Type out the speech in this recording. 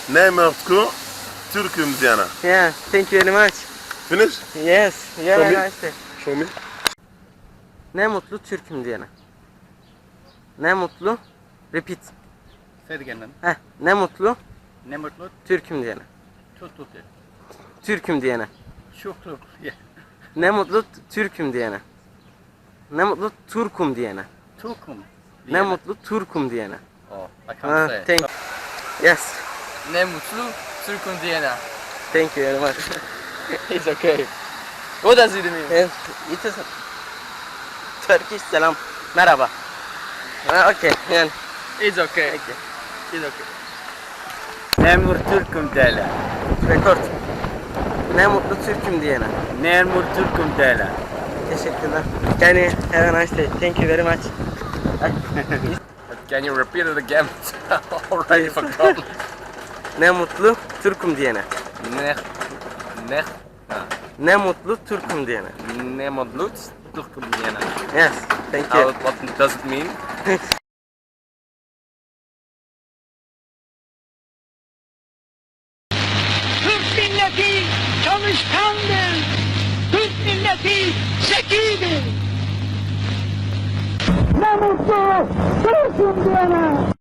Ne mutlu Türk'üm diyene. Yeah, thank you very much. Finish? Yes, yeah, Show me. nice. Show me. Ne mutlu Türk'üm diyene. Ne mutlu. Repeat. Say it again, man. Heh, ne mutlu Ne mutlu. Türk'üm diyene. Çok çok iyi. Türk'üm diyene. Çok çok iyi. Ne mutlu Türk'üm diyene. Ne mutlu Turkum diyene. Türk'üm. Ne mutlu Turkum diyene. Oh, I Ha, can't say. thank Yes, Ne mutlu Türk'üm diyene. thank you very much. It's okay. What does it mean? Evet, it is Turkish selam. Merhaba. Ha, okay, yani. It's okay. Okay. It's okay. Nemur Türk'üm dele. Rekord. Ne mutlu Türk'üm diyene. Nemur Türk'üm dele. Teşekkürler. Yani have a nice day. Thank you very much. Can you repeat it again? Already forgotten. Ne mutlu Türk'üm diyene. Ne ne Ne mutlu Türk'üm diyene. ne mutlu Türk'üm diyene. Yes, thank you. What does it mean? Türk milleti çalışkandır. Türk milleti zekidir. Ne mutlu Türk'üm diyene.